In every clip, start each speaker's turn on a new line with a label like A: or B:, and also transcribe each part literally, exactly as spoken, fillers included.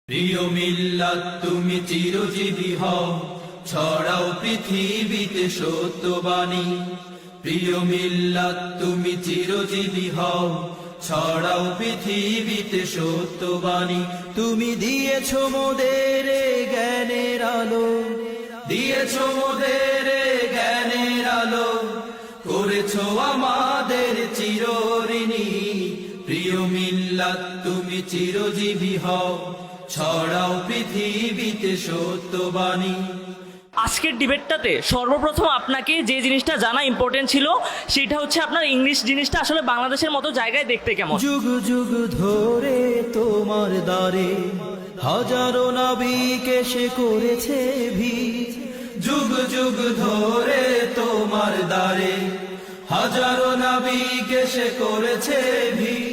A: প্রিয় মিল্লাত তুমি চিরজীবী হও, ছড়াও পৃথিবীতে সত্যবাণী। প্রিয় মিল্লাত তুমি চিরজীবী হও, ছড়াও পৃথিবীতে সত্যবাণী। তুমি দিয়েছ মোদের জ্ঞানের আলো, দিয়েছ মোদের জ্ঞানের আলো, করেছ আমাদের চিরঋণী। প্রিয় মিল্লাত তুমি চিরজীবী হও, ছড়াও পৃথিবীতে সত্যবাণী।
B: আজকের ডিবেটটাতে সর্বপ্রথম আপনাকে যে জিনিসটা জানা ইম্পর্টেন্ট ছিল সেটা হচ্ছে আপনার ইংলিশ জিনিসটা আসলে বাংলাদেশের মতো জায়গায় দেখতে কেমন।
A: যুগ যুগ ধরে তোমার দ্বারে হাজারো নাবিক এসে করেছে ভিড়। যুগ যুগ ধরে তোমার দ্বারে হাজারো নাবিক এসে করেছে ভিড়।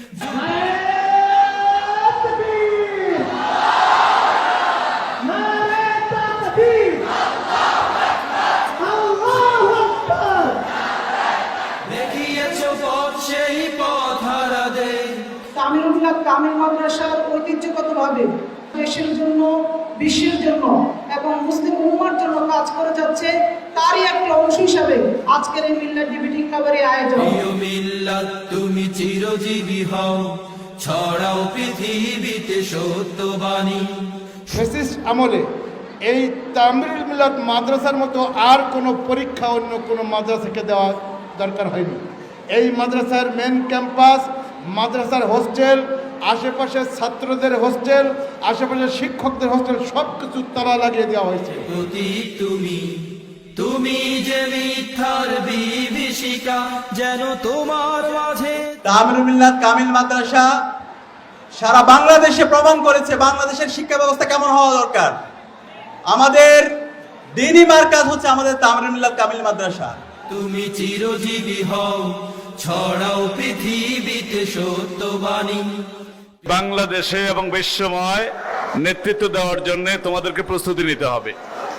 C: তামিল তামিল মাদ্রাসার ঐতিহ্যগতভাবে দেশের জন্য, বিশ্বের জন্য এবং মুসলিম উম্মার জন্য কাজ করে যাচ্ছে, তারই একটা অংশ হিসাবে আজকের এই মিল্লাত ডিবেটিং ক্লাবের এই আয়োজন।
A: প্রিয় মিল্লাত তুমি চিরজীবী হও, ছড়াও পৃথিবীতে সত্যবাণী।
D: ফ্যাসিস্ট আমলে এই তামিল মিল্লাত মাদ্রাসার মতো আর কোনো পরীক্ষা অন্য কোনো মাদ্রাসাকে দেওয়া দরকার হয়নি। এই মাদ্রাসার মেন ক্যাম্পাস, মাদ্রাসার হোস্টেল, আশেপাশের ছাত্রদের হোস্টেল, আশেপাশের শিক্ষকদের হোস্টেল সব কিছু তালা লাগিয়ে দেওয়া হয়েছে।
A: প্রতীক তুমি, তুমি যে মিথ্যার বিভীষিকা, যেন তোমার মাঝে।
E: তামিল মিল্লাত কামিল মাদ্রাসা সারা বাংলাদেশে প্রমাণ করেছে বাংলাদেশের শিক্ষা ব্যবস্থা কেমন হওয়া দরকার। আমাদের দ্বীনি মার্কাজ হচ্ছে আমাদের তামিল মিল্লাত কামিল মাদ্রাসা।
A: তুমি চিরজীবী হও, ছড়াও পৃথিবীতে সত্যবাণী।
F: বাংলাদেশে এবং বিশ্বময় নেতৃত্ব দেওয়ার জন্য তোমাদেরকে প্রস্তুতি নিতে হবে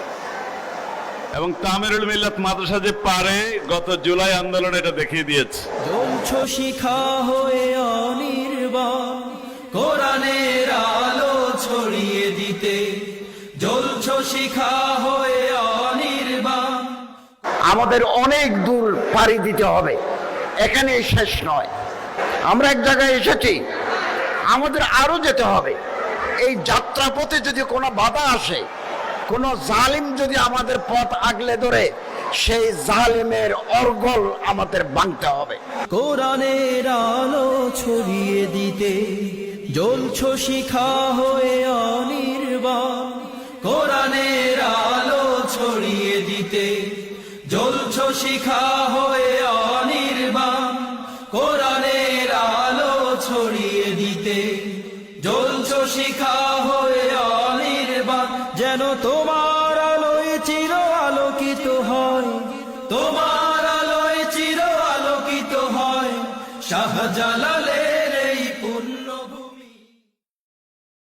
F: এবং তামিরুল মিল্লাত মাদ্রাসা যে পারে গত জুলাই আন্দোলন এটা দেখিয়ে দিয়েছে।
A: জ্বলছ শিখা হয়ে অনির্বাণ, কোরআনের আলো ছড়িয়ে দিতে। জ্বলছ শিখা হয়ে অনির্বাণ।
G: আমাদের অনেক দূর পাড়ি দিতে হবে, এখানে শেষ নয়। আমরা এক জায়গায় এসেছি, আমাদের আরো যেতে হবে। এই যাত্রাপথে যদি কোনো বাধা আসে, কোনো জালিম যদি আমাদের পথ আগলে ধরে, সেই জালিমের অর্গল আমাদের ভাঙতে হবে।
A: কোরআনের আলো ছড়িয়ে দিতে জ্বলছ শিখা হয়ে অনির্বাণ। কোরআনের আলো ছড়িয়ে দিতে জ্বলছ শিখা হয়ে অনির্বাণ। কোরআনের আলো ছড়িয়ে দিতে জ্বলছ শিখা হয়ে অনির্বাণ। যেন তোমার আলোয় চির আলোকিত হয়, তোমার আলোয় চির আলোকিত হয় শাহজালাল